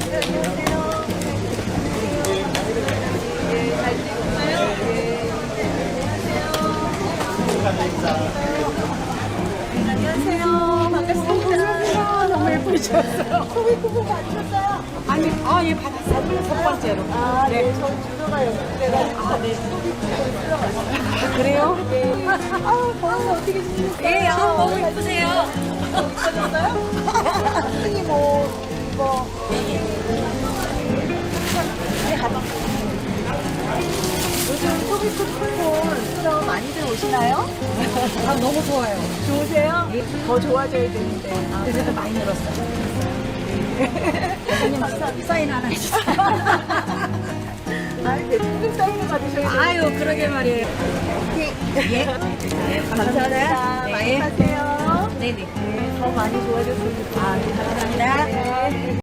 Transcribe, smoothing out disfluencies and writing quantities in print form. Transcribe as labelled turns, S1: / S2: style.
S1: 안녕하세요. 반갑습니다. 너무 예쁘셨어요.
S2: 소비 쿠폰 받으셨어요?
S1: 아니, 예, 받았어요. 첫 번째로.
S2: 네, 저 주소가 연결돼가지고 네, 소비 쿠폰 들어갔어요.
S1: 그래요?
S2: 네. 번호 어떻게 주셨어요?
S1: 예, 너무 예쁘세요.
S2: 받으셨어요? 선생님 이거 요즘 소비 쿠폰 쓰러 많이들 오시나요?
S1: 너무 좋아요.
S2: 좋으세요? 더 좋아져야 되는데
S1: 그래도 많이 늘었어요.
S2: 선생님
S1: 사인 하나 해주세요.
S2: 무슨 사인을 받으셔야 돼요?
S1: 아유, 그러게 말이에요. 예.
S2: 감사합니다. 많이
S1: 네.
S2: 사세요.
S1: 네네.
S2: 네, 더 많이 좋아졌으면 좋겠습니다.
S1: 감사합니다.
S2: 네.